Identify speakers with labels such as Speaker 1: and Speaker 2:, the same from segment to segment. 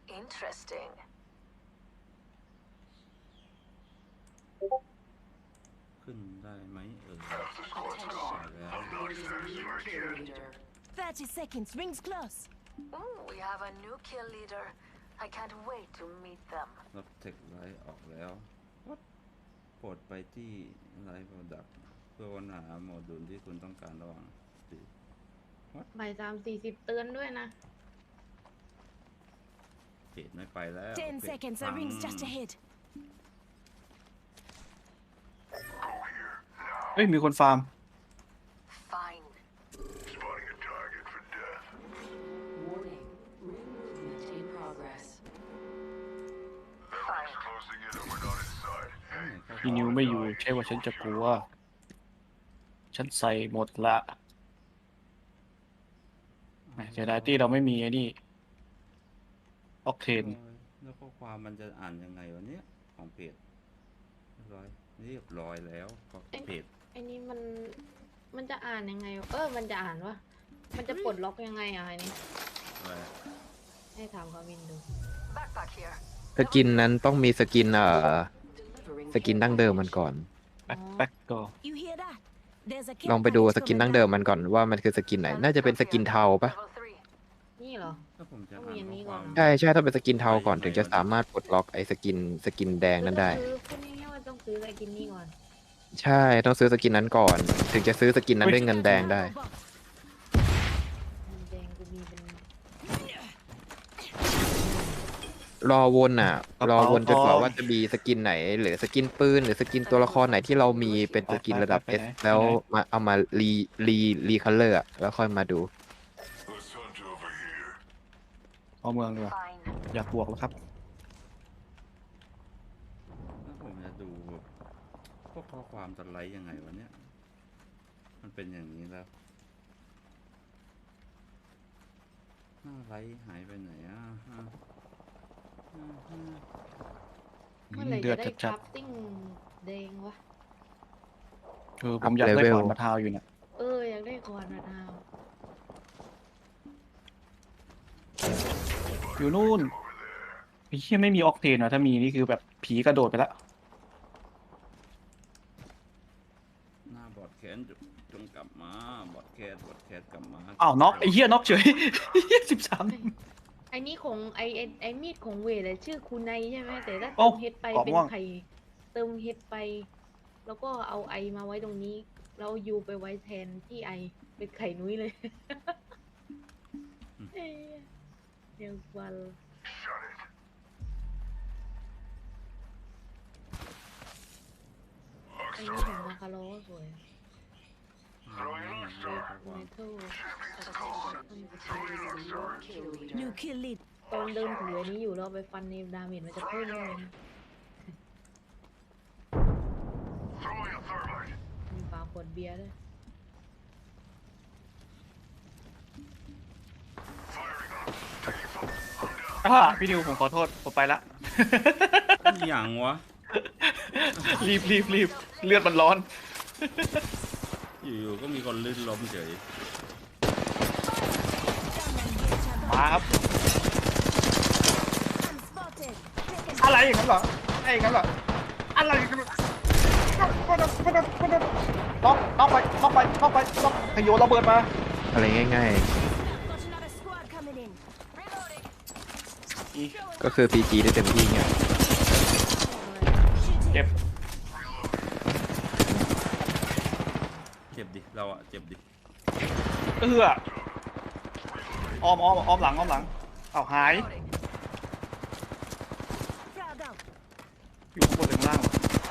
Speaker 1: Interesting.
Speaker 2: ขึ้นได้ไหม
Speaker 3: 30 seconds. Rings close.
Speaker 1: Ooh, we have a new kill leader. I can't wait to meet them.
Speaker 2: รับเทคไลท์ออกแล้วโปรดไปที่ไลท์โปรดักต์เพื่อค้นหาโมดูลที่คุณต้องการระหว่าง
Speaker 4: บ่าย3:40เตือนด้วยนะ
Speaker 2: เพจไม่ไปแล้ว
Speaker 3: 10 seconds. The ring's just ahead.
Speaker 5: เฮ้ยมีคนฟาร์ม
Speaker 1: Fine.
Speaker 6: Spotting a target for death.
Speaker 1: Warning. Ring movement in progress.
Speaker 6: Ring's closing in and we're not inside.
Speaker 5: พี่นิวไม่อยู่ใช่ว่าฉันจะกลัวฉันใส่หมดละเสียดายที่เราไม่มีไอ้นี่ออกเทน
Speaker 2: แล้วข้อความมันจะอ่านยังไงวะเนี้ยของเพจเรียบร้อยแล้วเพจ
Speaker 4: ไอ้นี่มันจะอ่านยังไงมันจะอ่านวะมันจะปลดล็อกยังไงอ่ะไอ้นี่
Speaker 2: อะไร
Speaker 4: ให้ถามคาวินดู
Speaker 1: Backpack here.
Speaker 7: สกินนั้นต้องมีสกินส
Speaker 1: Delivering
Speaker 7: กินดั้งเดิมมันก่อน
Speaker 5: แบ็คก็
Speaker 3: You hear that? There's a
Speaker 7: ลองไปดูสกินดั้งเดิมมันก่อนว่ามันคือสกินไหน น่าจะเป็นสกินเทาปะ
Speaker 1: level 3.
Speaker 4: นี่เหรอ
Speaker 2: ถ้าผมจะ
Speaker 4: ต้อง
Speaker 2: อ่า
Speaker 4: มี
Speaker 2: น
Speaker 4: อันนี้
Speaker 2: ข้อความ
Speaker 4: ก่อน
Speaker 7: ใช่ใช่ถ้าเป็นสกินเทาก่อนถึงจะสามารถปลดล็อกไอ้สกินแดงนั้นได้
Speaker 4: คือพูดง่ายๆว่าต้องซื้อไอ้กินนี่ก่อน
Speaker 7: ใช่ต้องซื้อสกินนั้นก่อน ถึงจะซื้อสกินนั้นด้วยเงินแดงได้
Speaker 4: มันแดงกูมีเป็น
Speaker 7: รอวนรอวนจนกว่าว่าจะมีสกินไหน หรือสกินปืนหรือสกินตัวละครไหนที่เรามีเป็นสกินระดับ S แล้วมาเอามารีคัลเลอร์แล้วค่อยมาดู
Speaker 6: Let's hunt over here.
Speaker 5: เอาเมืองดีกว่า
Speaker 1: Fine.
Speaker 5: อยากบวกแล้วครับ
Speaker 2: แล้วผมจะดูพวกข้อความจะไลท์ยังไงวะเนี้ยมันเป็นอย่างนี้แล้วไลท์หายไปไหน
Speaker 4: เมื่อไหร่
Speaker 5: เดือ
Speaker 4: จะ
Speaker 5: ด
Speaker 4: ได้ค
Speaker 5: จัด
Speaker 4: ราฟติ้งแดงวะ
Speaker 5: ผมอยากได้
Speaker 7: เลเวล
Speaker 5: ก่อนมาทาวอยู่เนี่ย
Speaker 4: อยากได้ก่อนนะดาว
Speaker 5: อยู่นู่นไอ้เหี้ยไม่มีออกเทนอ่ะถ้ามีนี่คือแบบผีกระโดดไปแล้ว
Speaker 2: หน้าบอดแคสจงกลับมาบอดแคสกลับมา
Speaker 5: อ้าวน็อกไอ้เหี้ยน็อกเฉย 13
Speaker 4: ไอ้นี่ของไอ้มีดของเวทอะชื่อคูไนใช่ไหมแต่ถ้า
Speaker 5: โอ้
Speaker 4: เติมเฮดไป
Speaker 5: กรอบ
Speaker 4: เป็น
Speaker 5: ม่วง
Speaker 4: ไข่เติมเฮดไป แล้วก็เอาไอมาไว้ตรงนี้แล้วยูไปไว้แทนที่ไอเป็นไข่นุ้ยเลยเอ้ยเดี๋ยววัน
Speaker 6: Shut it.
Speaker 4: ไอ้นี่ของมาคาโร่สวย
Speaker 6: Throwing an arc
Speaker 4: เ
Speaker 6: star.
Speaker 4: มทัล
Speaker 3: New kill lead.
Speaker 4: ตอนเดินถืออันนี้อยู่เราไปฟันในดาเมจมันจะเพิ่มเลยนะ
Speaker 6: Throwing a thermite.
Speaker 4: มีฝาขวดเบียร์ด้วย
Speaker 6: Firing up. Taking fire. I'm down.
Speaker 5: พี่นิวผมขอโทษผมไปละ
Speaker 2: อย่างวะ
Speaker 5: รีบเลือดมันร้อน
Speaker 2: อยู่ๆก็มีคนลื่นล้มเฉย
Speaker 5: มาครับ
Speaker 3: Unspotted.
Speaker 5: อะไรอย่างนั้นเหรออะไรอย่างนั้นเหรออะไรอย่างนั้นน็อกไปขยโยนระเบิดมา
Speaker 7: อะไรง่าย
Speaker 3: Got another squad coming in. Reloading.
Speaker 7: ๆ ก็คือ PG ได้เต็มที่ไง
Speaker 5: เจ็บ
Speaker 2: เจ็บดิเราอะเจ็บดิ
Speaker 5: อ้อมหลังเอาหาย
Speaker 3: Crowd out.
Speaker 5: อยู่ข้างบนหรือข้างล่าง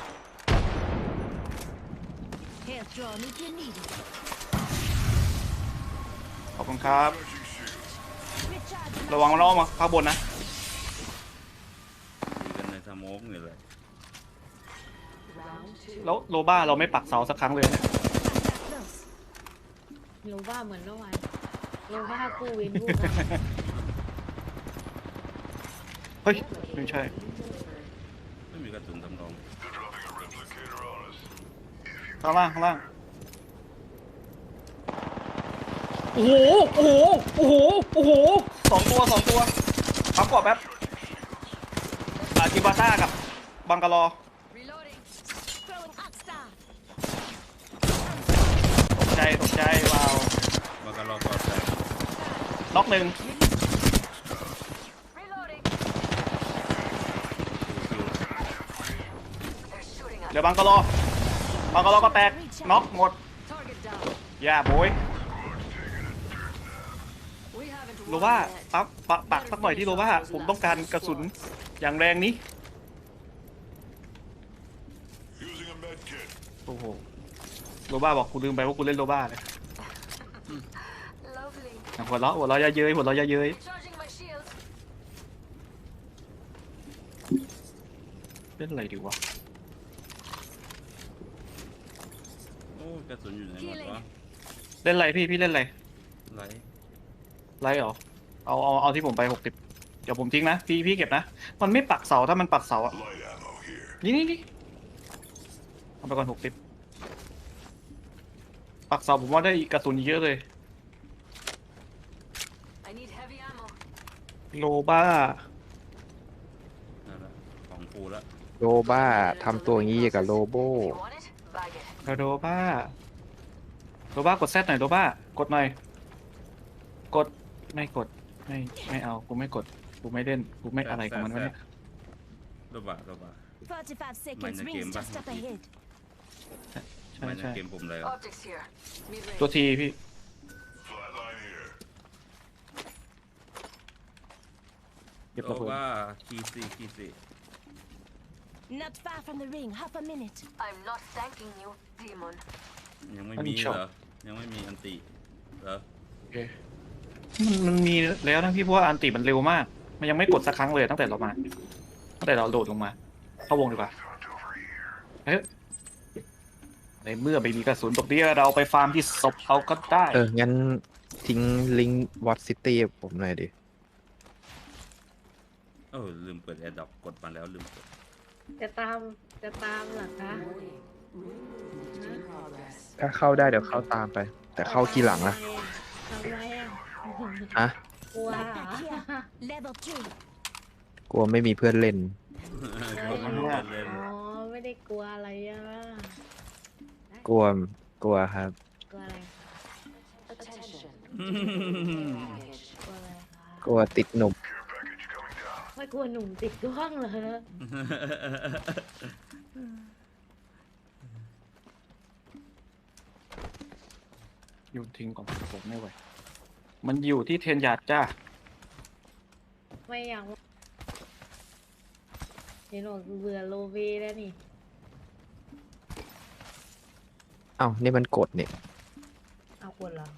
Speaker 3: Health drawn if you need it.
Speaker 5: ขอบคุณครับ
Speaker 3: Recharging.
Speaker 5: ระวังมันอ้อมมาข้างบนนะ
Speaker 2: ดีกันในสโมกนี่เลย
Speaker 5: แล้วโลบ้าเราไม่ปักเสาสักครั้งเลยเนี่ย
Speaker 3: Close.
Speaker 4: โลบ้าเหมือนเมื่อวานโลบ้ากู้เวนกู้กัน
Speaker 5: เฮ้ยไม่ใช่
Speaker 2: ไม่มีกระสุนสำรอง
Speaker 6: They're dropping a replicator on us.
Speaker 5: ข้างล่างโอ้โห2 ตัวพับกรอบแป๊บต้ากับบังกะลอ
Speaker 3: Reloading. Throwing Arc Star.
Speaker 5: ตกใจว้าว
Speaker 2: บังกะโลก่อนแตก
Speaker 5: น็อกหนึ่ง
Speaker 1: Reloading. They're shooting
Speaker 5: เหลื
Speaker 1: at
Speaker 5: อบังกะลอก็แตกน็อกหมด
Speaker 3: Target down.
Speaker 5: อย่าโบย
Speaker 3: We haven't
Speaker 5: โล
Speaker 3: won
Speaker 5: ว่า
Speaker 3: yet.
Speaker 5: ปักสักหน่อยที่โลว่าผมต้องการกระสุนอย่างแรงนี้
Speaker 6: Using a med kit.
Speaker 5: โอ้โหโลบ้าบอกกูลืมไปว่ากูเล่นโลบ้าเลย
Speaker 1: Lovely.
Speaker 5: หัวเราะอย่าเย้ย
Speaker 1: Recharging my shields.
Speaker 5: เล่นอะไรดีวะ
Speaker 2: โอ้กระสุนอยู่ไหนหมดวะ
Speaker 5: เล่นอะไรพี่เล่นอะไร
Speaker 2: ไร
Speaker 5: ไลท์เหรอเอาที่ผมไป60เดี๋ยวผมทิ้งนะพี่เก็บนะมันไม่ปักเสาถ้ามันปักเสาอะ
Speaker 6: Light ammo here.
Speaker 5: นี่เอาไปก่อน60ปักเสาผมว่าได้กระสุนเยอะเลย
Speaker 1: I need heavy ammo.
Speaker 5: โลบ้า
Speaker 2: นั่นแหละของฟูแล้ว
Speaker 7: โลบ้าทำตัวอย่างนี้กับโลโบ
Speaker 1: If you want it, bag it.
Speaker 5: โลบ้ากดแซดหน่อยโลบ้ากดหน่อยกดไม่กดไม่เอากูไม่กดกูไม่เล่นกูไม่อะไรของมันวะเนี่ย
Speaker 2: โรบะ
Speaker 3: 45 seconds.
Speaker 2: Mind the
Speaker 3: Rings
Speaker 2: game,
Speaker 3: just
Speaker 2: bah.
Speaker 3: up ahead.
Speaker 5: ใช่
Speaker 2: ไม่ใน
Speaker 5: ใช่
Speaker 2: เกมผมเลย
Speaker 1: Optics here. Mid-range.
Speaker 5: ตัวทีพี่
Speaker 6: Flatline here.
Speaker 5: เก็บ
Speaker 2: โร
Speaker 5: ระเบิด
Speaker 2: บะคีซี
Speaker 3: Not far from the ring. Half a minute.
Speaker 1: I'm not thanking you, demon.
Speaker 2: ยังไม่มีเหรอยังไม่มีอันติเหรอ
Speaker 5: โอเคมันมีแล้วนะพี่เพราะว่าอันติมันเร็วมาก มันยังไม่กดสักครั้งเลยตั้งแต่เราโดดลงมา เข้าวงดีกว่าเฮ้ยในเมื่อไม่มีกระสุนตกนี้เราไปฟาร์มที่ศพเอาก็ได้
Speaker 7: งั้นทิ้งลิงก์วอตซิตี้ผมหน่อยดิ
Speaker 2: ลืมเปิดแอร์ดรอปกดมาแล้วลืมเปิด
Speaker 4: จะตามเหรอคะ
Speaker 7: ถ้าเข้าได้เดี๋ยวเข้าตามไป แต่เข้าทีหลังนะ
Speaker 4: ทำไรอ่ะ
Speaker 7: ฮะ
Speaker 4: กลัวเหรอ
Speaker 3: Back here. Level 3.
Speaker 7: กลัวไม่มีเพื่อนเล่น
Speaker 2: กดมาเล่นเล่น
Speaker 4: อ๋อไม่ได้กลัวอะไรอ่ะ
Speaker 7: กลัวครับ
Speaker 4: กลัวอะไร
Speaker 1: Attention.
Speaker 4: กลัวอะไรคะ
Speaker 7: กลัวติดหนุ่ม
Speaker 4: ไม่กลัวหนุ่มติดกล้องเหรอ
Speaker 5: โยนทิ้งก่อนผมไม่ไหวมันอยู่ที่เทนยาร์ดจ้า
Speaker 4: ไม่อยากเห็นบอกเบื่อโลเวแล้วนี่
Speaker 7: เอ้านี่มันกดเนี่ย
Speaker 4: เอาคนเหรอ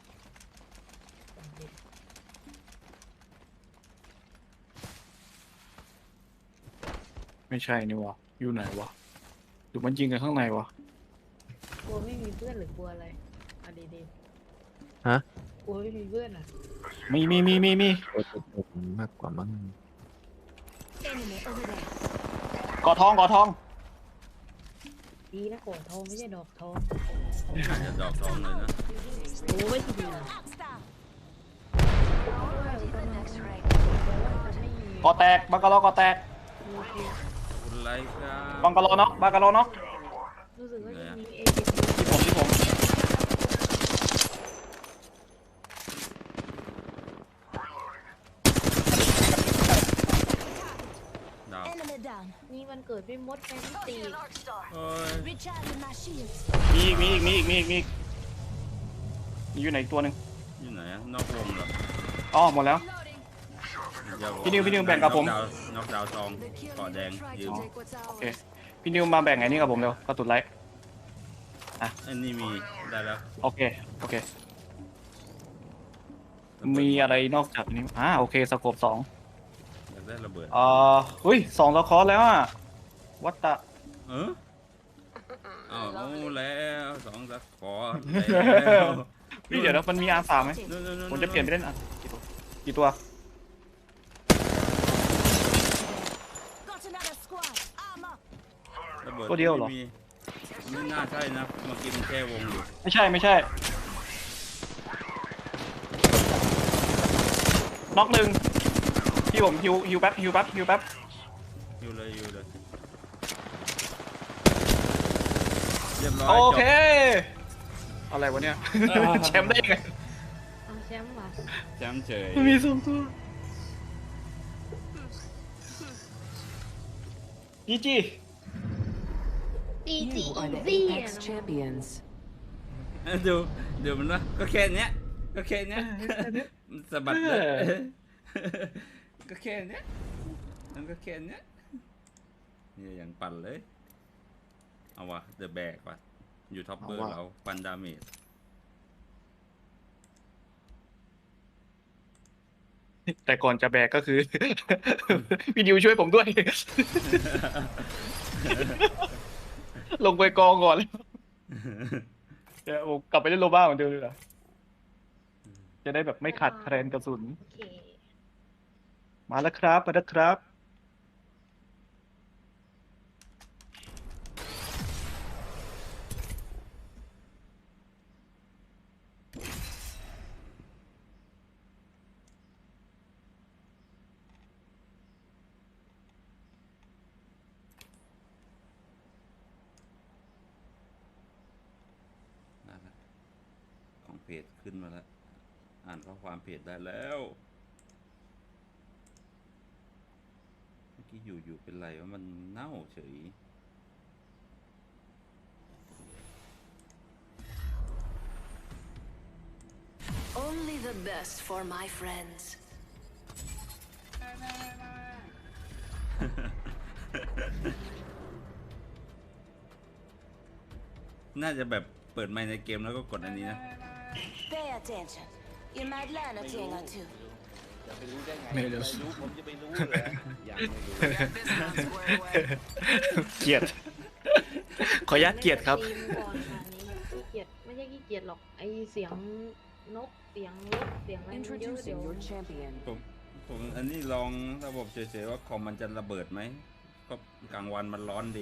Speaker 5: ไม่ใช่นี่วะอยู่ไหนวะหรือมันยิงกันข้างในวะ
Speaker 4: กลัวไม่มีเพื่อนหรือกลัวอะไรเอาดี
Speaker 7: ฮะ
Speaker 4: ๆกลัวไม่มีเพื่อนอ่ะ
Speaker 5: มี
Speaker 7: กลัวติดหนุ่มมากกว่ามั้ง
Speaker 3: Enemy over there.
Speaker 5: กอทอง
Speaker 4: ดีนะโขนทองไม่ใช่ดอกทอง
Speaker 2: อาจจะดอกทองเลยนะ
Speaker 4: โอ้ยดี
Speaker 3: Arc Star.
Speaker 1: Already the next ring.
Speaker 5: กอแตกบังกะลอกอแตก
Speaker 2: คุณไลค์ครับ
Speaker 5: บังกะโลน็อก
Speaker 4: รู้สึกว่าจะมีเอเจ
Speaker 5: ที่ผม
Speaker 2: ดาว
Speaker 3: Enemy down.
Speaker 4: นี่มันเกิดพี่มดแฟนตี
Speaker 1: Tossing an arc star.
Speaker 2: โอ้ย
Speaker 3: Recharging my shields.
Speaker 5: มีอีกอยู่ไหนอีกตัวหนึ่ง
Speaker 2: อยู่ไหนอะนอกวงเหรอ
Speaker 5: อ๋อหมดแล้ว
Speaker 1: Reloading.
Speaker 5: พี่นิวแบ่งกับผม
Speaker 2: นอกดาวทอง
Speaker 1: The kill
Speaker 2: เกาะแดง
Speaker 1: leader tried
Speaker 2: ยื
Speaker 1: to
Speaker 2: ม
Speaker 1: take what's
Speaker 5: โอเค
Speaker 1: ours.
Speaker 5: พี่นิวมาแบ่งไงนี่กับผมเร็วกระตุนไลท์
Speaker 2: อันนี้มีได้แล้ว
Speaker 5: โอเคมีอะไรนอกจากนี้โอเคสโคป2
Speaker 2: อยากได้ระเบิด
Speaker 5: เฮ้ย2ละครแล้วอ่ะวัตตะ
Speaker 2: เอาแล้วสองสักขอ
Speaker 5: พี่เดี๋ยวนะมันมี R3 ไหมผมจะเปลี่ยนไปเล่นกี่ตัว
Speaker 3: Got another squad. Armor.
Speaker 2: ระเบิด
Speaker 5: ตัวเดียวเหรอ
Speaker 2: ไม่น่าใช่นะเมื่อกี้มันแค่วงอยู่
Speaker 5: ไม่ใช่น็อกหนึ่งพี่ผมฮิวแป๊บ
Speaker 2: อยู่เลยอยู่เลยเรียบร้อย
Speaker 5: โอเค
Speaker 2: จ
Speaker 5: อะไรวะเนี่ย แชมป์ได้ยังไง
Speaker 4: เอาแชมป์ว่ะ
Speaker 2: บแชมป์เฉย
Speaker 5: มันมีสองตัวจีจี
Speaker 4: จีจี
Speaker 8: You are the
Speaker 4: ซี่
Speaker 8: Apex champions.
Speaker 2: ดูมันวะก็แค่เนี้ยก็แค่เนี้ยมันสะบัดเลยก็แค่เนี้ยมันก็แค่เนี้ยเนี่ยอย่างปั่นเลยเอาวะเดอะแบกว่ะอยู่ท็อปเบอร์เราปันดาเมจ
Speaker 5: แต่ก่อนจะแบกก็คือ พี่ดิวช่วยผมด้วย ลงไปกองก่อนเลยเดี๋ยวผมกลับไปเล่นโลบ้าเหมือนเดิมเลยเหรอจะได้แบบไม่ขาดแคลนกระสุน
Speaker 4: โอเค
Speaker 5: มาแล้วครับมาแล้วครับ
Speaker 2: นั่นแหละของเพจขึ้นมาแล้วอ่านข้อความเพจได้แล้วเมื่อกี้อยู่เป็นไรว่ามันเน่าเฉย
Speaker 1: Only the best for my friends.
Speaker 2: น่าจะแบบเปิดไมค์ในเกมแล้วก็กดอันนี้นะ
Speaker 3: Pay attention. You might learn a thing or two.
Speaker 5: ไม่รู้
Speaker 2: ผมจะไปรู้เหรอยังไม่รู้
Speaker 1: This one's square away.
Speaker 5: เกลียด ขออนุญาตเกลียดครับ
Speaker 4: ทีมก่อนค่ะนี้ขี้เกียจไม่ใช่ขี้เกียจหรอกไอเสียงนกเสียงรถเสียงอะไรมันเยอะเดี๋ยว
Speaker 8: Introducing your champion.
Speaker 2: ผมอันนี้ลองระบบเฉยๆว่าคอมมันจะระเบิดไหมก็กลางวันมันร้อนดี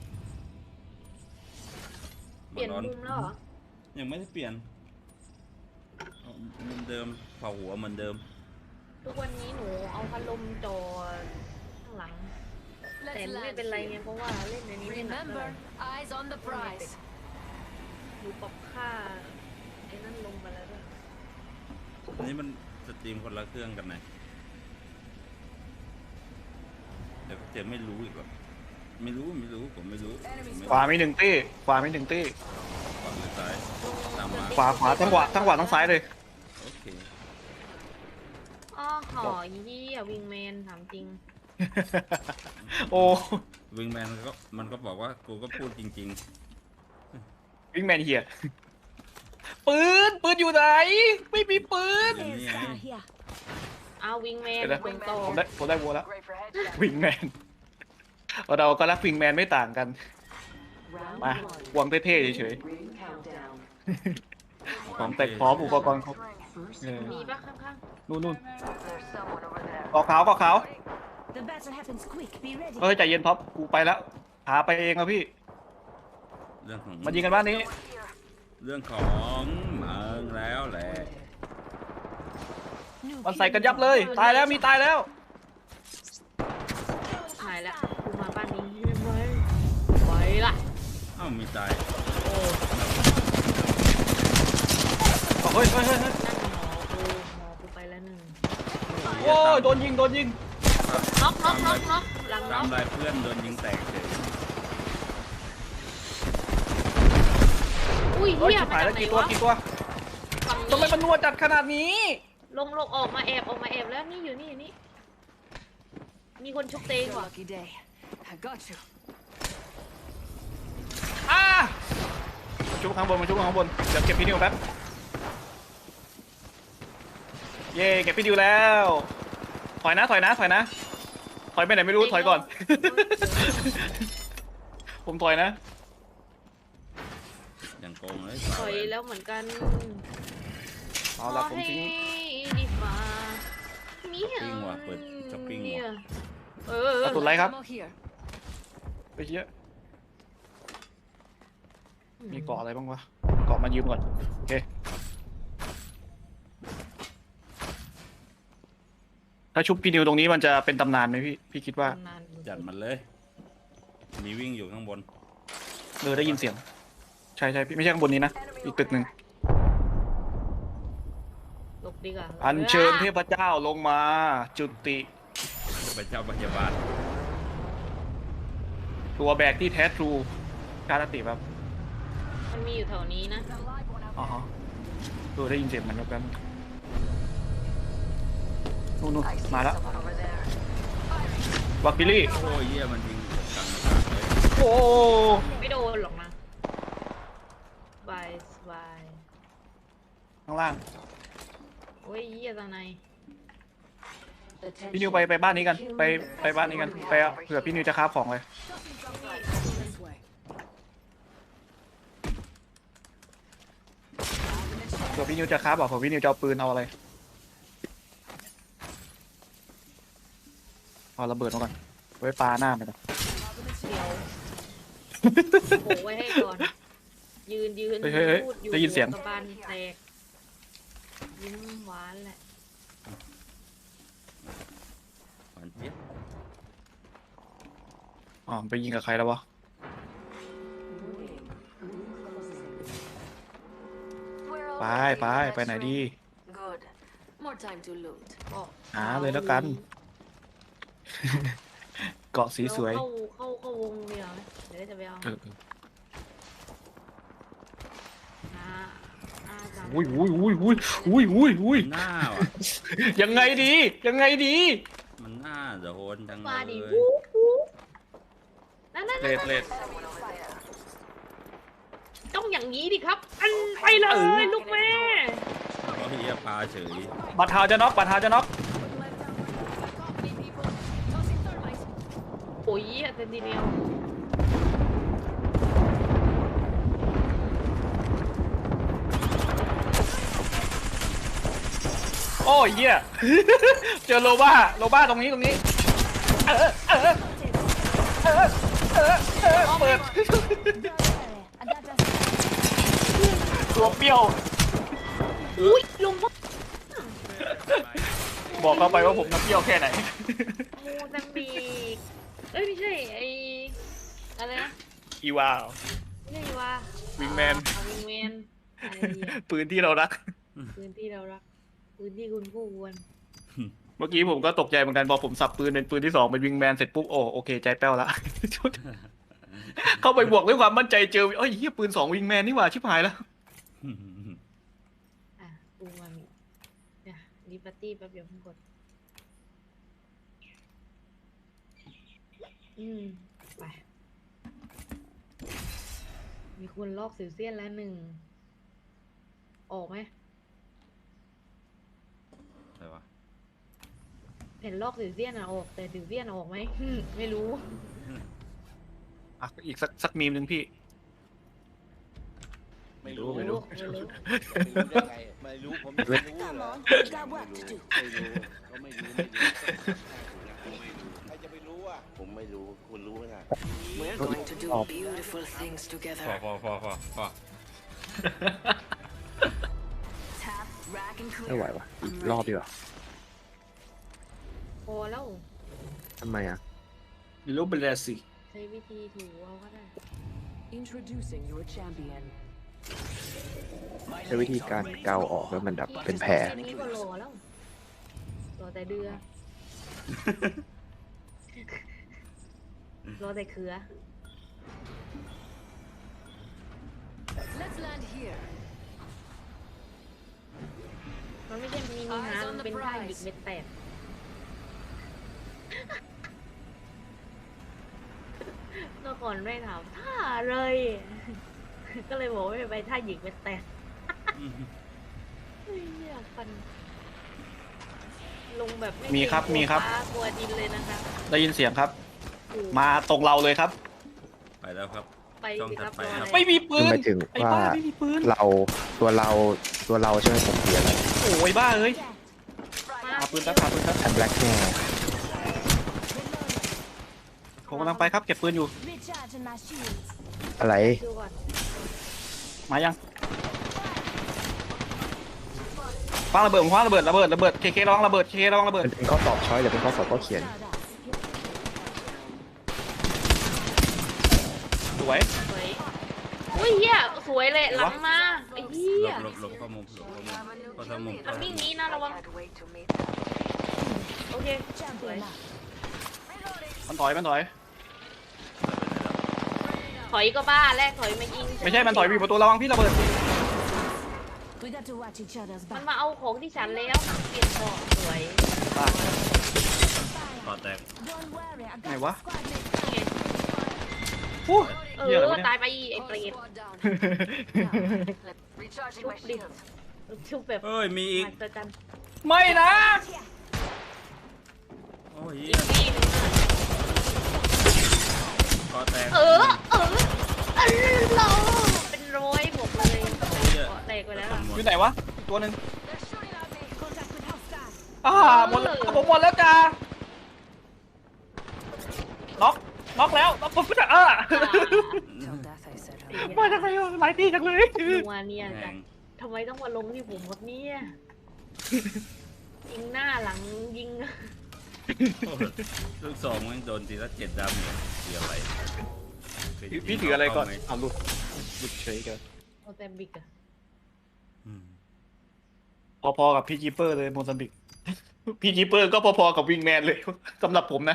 Speaker 4: เปลี่ยน
Speaker 2: ร้อน
Speaker 4: มุมแล้วเหรอ
Speaker 2: ยังไม่ได้เปลี่ยนเหมือนเดิมเผาหัวเหมือนเดิม
Speaker 4: ทุกวันนี้หนูเอาพัดลมจอข้างหลัง แต่
Speaker 1: Let's
Speaker 4: ไม่
Speaker 1: land
Speaker 4: เป็นไรไง
Speaker 1: here.
Speaker 4: เพราะว่าเล่นในนี้ไม่หนักเท่าไหร่
Speaker 1: Remember, eyes on the prize.
Speaker 4: หนูปรับค่าไอ้นั่นลงมาแล้วด้วย
Speaker 2: อันนี้มันสตรีมคนละเครื่องกันไหนเดี๋ยวเจไม่รู้อีกหรอไม่รู้ผมไม่รู้
Speaker 5: ขวามีหนึ่งตี้ขวามีหนึ่งตี้
Speaker 2: ขวาหรือซ้ายตามมา
Speaker 5: ขวาทั้งขวาทั้งซ้ายเลย
Speaker 2: โอเค
Speaker 4: อ้อหอยี่อะวิงแมนถามจริง
Speaker 5: โอ้
Speaker 2: วิงแมนมันก็บอกว่ากูก็พูดจริง
Speaker 5: วิ่งแมนเฮียปืนอยู่ไหน ไม่มีปืน
Speaker 2: ๆอย่างนี้ไง
Speaker 3: Down here.
Speaker 4: เอาวิงแมน
Speaker 5: เดี๋ยวนะ
Speaker 4: ตรงโต
Speaker 5: ผมได้วัวแล้ว
Speaker 1: Great for headshot.
Speaker 5: วิงแมนเราก็รักวิงแมนไม่ต่างกัน
Speaker 8: Round
Speaker 5: มา
Speaker 8: one.
Speaker 5: วางเท่ๆเฉย
Speaker 8: Ring countdown.
Speaker 5: ๆของแต่พร้อมอุปกรณ์ครบ
Speaker 8: First
Speaker 5: เออ
Speaker 4: มีปะข้าง
Speaker 5: นู่น
Speaker 1: There's someone over there.
Speaker 5: เกาะขาว
Speaker 3: The battle happens quick. Be ready.
Speaker 5: เฮ้ยใจเย็นท็อปกูไปแล้วหาไปเองแล้วพี่
Speaker 2: เรื่องของ
Speaker 5: มายิงกันบ้านนี้
Speaker 2: เรื่องของมึงแล้วแหละ
Speaker 3: New
Speaker 5: มันใส่กันยับเลย ตายแล้วมีตายแล้ว
Speaker 4: ๆหายแล้วกูมาบ้านนี้ไหมไปละ
Speaker 2: เอ้ามีตาย
Speaker 5: เฮ้ย
Speaker 4: นั่นหมอกูไปแล้วหนึ่ง
Speaker 5: โอ้ยโดนยิง
Speaker 4: น็อกหลังน็
Speaker 2: ตา
Speaker 4: อ
Speaker 2: ม
Speaker 4: ก
Speaker 2: ลายเพื่อนโดนยิงแตกเฉย
Speaker 4: อุ้ย
Speaker 5: เฮ้ย
Speaker 4: เฮีย
Speaker 5: ชิบ
Speaker 4: มา
Speaker 5: หาย
Speaker 4: จา
Speaker 5: แล้
Speaker 4: ก
Speaker 5: ว
Speaker 4: ไหน
Speaker 5: กี่ตัว
Speaker 4: วะ
Speaker 5: กี่ตัว
Speaker 4: ฝั่ง
Speaker 5: ทำไม
Speaker 4: นี้
Speaker 5: มันนัวจัดขนาดนี้
Speaker 4: ลงออกมาแอบแล้วนี่อยู่นี่มีคนชุบเตง
Speaker 1: Your
Speaker 4: ว่ะ
Speaker 1: lucky day. I got you.
Speaker 5: อ่ามาชุบข้างบนเดี๋ยวเก็บพี่นิวแป๊บเย่เก็บพี่นิวแล้วถอยนะถอยไปไหนไม่รู้ถอยก่อน ผมถอยนะ
Speaker 2: อย่างโกงเลย
Speaker 4: ถอยแล้วเหมือนกัน
Speaker 5: เอาละผมทิ้ง
Speaker 4: ดีฟ้ามี
Speaker 2: ปิ้งว่ะเปิดช้อปปิ้งว่ะ
Speaker 5: กระสุนไรครับ
Speaker 1: Ammo here.
Speaker 5: ไปเยอะมีเกาะอะไรบ้างวะเกาะมายืมก่อนโอเคถ้าชุบพี่นิวตรงนี้มันจะเป็นตำนานไหมพี่คิดว่า
Speaker 4: นานอยู่
Speaker 2: จัดมันเลย มีวิ่งอยู่ข้างบน
Speaker 5: ได้ยินเสียง ใช่พี่ไม่ใช่ข้างบนนี้นะ อีกตึกหนึ่ง
Speaker 4: หลบดีกว่า
Speaker 5: อัญเชิญเทพเจ้าลงมา จุติ
Speaker 2: พระเจ้าพยาบาล
Speaker 5: ตัวแบกที่แท้ทรูการอันติแบบ
Speaker 4: มันมีอยู่แถวนี้นะ
Speaker 5: อ๋อฮะได้ยินเสียงมันแล้วกันนู่น
Speaker 1: I see
Speaker 5: มาแล้ว
Speaker 1: someone over there.
Speaker 5: วักบิลลี่
Speaker 2: โอ้ยเหี้ยมันยิงกลางอากาศเลย
Speaker 5: โอ้
Speaker 4: ไม่โดนหรอกนะบายบาย
Speaker 5: ข้างล่าง
Speaker 4: โอ้ยเยี่ยตาใน
Speaker 5: พี่นิวไปบ้านนี้กัน ไปบ้านนี้กัน ไปเอาเผื่อพี่นิวจะคราฟของเลยเผื่อพี่นิวจะคราฟบอกเผื่อพี่นิวจะเอาปืนเอาอะไรเอาระเบิดมาก่อนไว้ปาหน้าไปก่อน
Speaker 4: เดียวโผล่ไว้ให้ก่อน ยืน
Speaker 5: เฮ้ย
Speaker 4: พูอยู่
Speaker 5: ได้ยินเสียง
Speaker 4: กระบาลแตกยิ้มหวานแหละ
Speaker 2: หวานเจี๊ยบ
Speaker 5: อ๋อไปยิงกับใครแล้ววะ
Speaker 1: We're
Speaker 5: ไป
Speaker 1: already
Speaker 5: ไป
Speaker 1: in the
Speaker 5: ไปไหน
Speaker 1: next
Speaker 5: ดี
Speaker 1: ring. Good. More time to loot.
Speaker 4: ก็
Speaker 5: หาเลยแล้วกัน เกาะสีสวย
Speaker 4: เข้าวงเดียวไหมเดี๋ยวจะไปเอาจัง
Speaker 5: อุ้ย
Speaker 2: หน้าว่ะ
Speaker 5: ยังไงดี
Speaker 2: มันหน้าโดนจังเล
Speaker 4: มาดิ
Speaker 2: ย
Speaker 4: วูนั่น
Speaker 5: เลด
Speaker 1: Someone over there.
Speaker 4: ต้องอย่างนี้ดิครับ อันไปเลยลูกแม่
Speaker 2: เขาเฮียปลาเฉย
Speaker 5: บัตรหาจะน็อก
Speaker 4: โอ้ยเซนติเนล
Speaker 5: โอ้ยเหี้ย เจอโลบ้าตรงนี้ เปิด ตัวเปรี้ยว
Speaker 4: อุ้ยลงมา
Speaker 5: บอกเขาไปว่าผมน้ำเปรี้ยวแค่ไหน
Speaker 4: โอ้ดังบีกเอ้ยไม่ใช่ไออะไรนะ
Speaker 5: อีวาว
Speaker 4: ไม่ใช่ว่า
Speaker 5: วิงแมน
Speaker 4: วิงแมนอะไรเนี่ย
Speaker 5: ปืนที่เรารัก
Speaker 4: พื้นที่เรารักพื้นที่คุณผู้ควร
Speaker 5: เมื่อกี้ผมก็ตกใจเหมือนกันพอผมสับปืนเป็นปืนที่2เป็นวิงแมนเสร็จปุ๊บโอเคใจแป้วละ เข้าไปบวกด้วยความมั่นใจเจอเอ้ยเฮียปืน2วิงแมนนี่หว่าชิบหายแล้ว
Speaker 4: อ่ะกูมามีเนี่ยรีปาร์ตี้แป๊บเดียวเพิ่งกดไปมีคนลอกสิวเซียนแล้ว1ออกไหม
Speaker 2: อะไรวะ
Speaker 4: เห็นลอกสิวเซียนออกแต่สิวเซียนออกไหม ไม่รู้
Speaker 5: อ่ะอีกสักมีมหนึ่งพี่
Speaker 9: ไม่รู้
Speaker 5: ไม่รู้
Speaker 9: ไม่รู้ได้ไงไม่รู้ผมไม่รู้
Speaker 3: Come
Speaker 9: เหรอ
Speaker 3: on, we got work to do.
Speaker 9: ไม่รู้ก็ไม่รู้ใครจะไปรู้อ่ะผมไม่รู้คุณรู้ไหมล่ะ
Speaker 8: We're going to do beautiful things
Speaker 2: พอ
Speaker 8: together.
Speaker 2: พอ
Speaker 1: Tap, rack, and
Speaker 7: ไม่ไหว
Speaker 1: clear.
Speaker 7: วะอีกรอบดีกว่า
Speaker 4: พอแล้ว
Speaker 7: ทำไมอ่ะ
Speaker 5: รู้เป็นแล้วสิ
Speaker 4: ใช้วิธีถูเอาก็ได้
Speaker 8: Introducing your champion.
Speaker 7: ใช้วิธีการเกาออกแล้วมันแบบเป็นแผล
Speaker 4: แค่นี้ก็รอแล้วรอแต่เดือ รอแต่เขือ
Speaker 1: Let's land here.
Speaker 4: มันไม่ใช่มินิฮาร์ดมันเป็นท่าหยิกเม็ดแตก เมื่อก่อนไม่ถามท่าเลย ก็เลยบอกว่าไม่ไปท่าหยิกเม็ดแตกเฮ้ยอยากฟัน ลงแบบไม่
Speaker 5: มีครับ
Speaker 4: เกง
Speaker 5: มีครับ
Speaker 4: ฟ้ากลัวดินเลยนะคะ
Speaker 5: ได้ยินเสียงครับ
Speaker 4: โอ้โห
Speaker 5: มาตรงเราเลยครับ
Speaker 2: ไปแล้วครับ
Speaker 4: ไป
Speaker 2: ช่อง
Speaker 4: สิ
Speaker 2: ถั
Speaker 4: ครั
Speaker 2: ด
Speaker 4: บ
Speaker 2: ไป
Speaker 4: รอ
Speaker 2: ครับ
Speaker 4: อะไร
Speaker 5: ไม่มีปื
Speaker 7: คือน หมายถึง
Speaker 5: ไอ้
Speaker 7: ว่า
Speaker 5: บ้าไม่มีปืน
Speaker 7: ตัวเราใช่ไหมผมเสียแล้ว
Speaker 5: โอ้ยบ้าเอ้ย
Speaker 4: มา
Speaker 5: หาปืนครับ
Speaker 7: แอนแบล็กแน่
Speaker 5: ผมกำลังไปครับเก็บปืนอยู่
Speaker 3: Recharging my shields.
Speaker 7: อะไร
Speaker 4: ดูก่อน
Speaker 5: มายังคว้างระเบิดผมคว้างระเบิดเคร้องระเบิดเคร้องระเบิด
Speaker 7: มันเป็นข้อสอบช้อยหรือเป็นข้อสอบข้อเขียน
Speaker 3: Shout out.
Speaker 5: สวย
Speaker 4: สวยอุ้ยเฮียสวยเลยหลังมาไอ้เฮีย
Speaker 2: หลบเข้ามุมหลบเข้ามุม
Speaker 1: We have a new
Speaker 2: เข้าทางมุม
Speaker 1: kill
Speaker 4: มัน
Speaker 1: leader.
Speaker 4: วิ่งหนี้นะระวัง
Speaker 1: I can't wait to meet them.
Speaker 4: โอเคสวย
Speaker 3: Champion up.
Speaker 5: มันถอยมันถอย
Speaker 4: ถอยก็บ้าแรกถอยมายิง
Speaker 5: ไม่ใช่มันถอยมีประตูระวังพี่ระเบิด
Speaker 3: We got to watch each other's
Speaker 4: มัน
Speaker 3: back.
Speaker 4: มาเอาของที่ฉันแล้วเปลี่ยนของสวย
Speaker 2: ต่อแตก
Speaker 3: Don't worry, I got
Speaker 5: Này
Speaker 3: the
Speaker 5: quá.
Speaker 3: squad mate.
Speaker 4: นี่ไง
Speaker 5: อู้
Speaker 4: เอ
Speaker 5: เหี้ยอะไร
Speaker 4: อ
Speaker 5: วะเนี่ย
Speaker 4: ตายไปไอ้เปรต
Speaker 1: Recharging my
Speaker 4: Chút đi.
Speaker 1: shields.
Speaker 4: ชุบแบบ
Speaker 2: เอ้ยมีอีก
Speaker 4: มหัศจรรย์
Speaker 5: ไม่นะ
Speaker 2: โอ้ย
Speaker 4: อีกที่หนึง
Speaker 2: ต่อแตก
Speaker 4: เราเป็นร้อยหมดเลยแตกไปแล้วอะ
Speaker 5: อยู่ไหนวะอีกตัวหนึ่ง
Speaker 1: They're shooting at me.
Speaker 3: Contact with hostile.
Speaker 5: หมดแล้วผมหมดแล้วจ้าน็อกแล้วน็อกปุ๊บจะ
Speaker 8: Till death, I said.
Speaker 5: มาจากไหนวะหลายตีจังเลย
Speaker 4: นัวเนี่ย
Speaker 2: แห
Speaker 4: จั
Speaker 2: ง
Speaker 4: ดทำไมต้องมาลงที่ผมหมดเนี่ยยิงหน้าหลังยิง
Speaker 2: โอ้ยลูกสองมันโดนทีละ7 ดำเนี่ยเสียอะไร
Speaker 5: พี่ถืออะไรก่อนเอาหลุดเฉยกัน
Speaker 4: โมเซมบิกอะ
Speaker 2: อืม
Speaker 5: พอๆกับพี่จีเปอร์เลยโมซัมบิกพี่จีเปอร์ก็พอๆกับวิงแมนเลยสำหรับผมนะ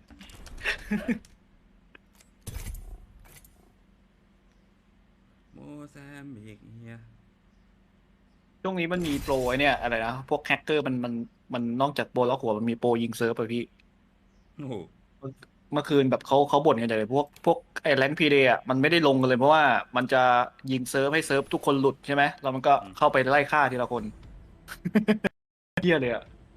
Speaker 2: โมแซมบิกเฮีย
Speaker 5: ช่วงนี้มันมีโปรไอ้เนี่ยอะไรนะพวกแฮกเกอร์มันนอกจากโปรล็อกหัวมันมีโปรยิงเซิร์ฟอะพี่
Speaker 2: โอ้โห
Speaker 5: เมื่อคืนแบบเขาบ่นกันใหญ่เลยพวกไอ้แรงพีเดย์อ่ะมันไม่ได้ลงกันเลยเพราะว่ามันจะยิงเซิร์ฟให้เซิร์ฟทุกคนหลุดใช่ไหมแล้วมันก็เข้าไปไล่ฆ่าทีละคน เหี้ยเลยอ่ะ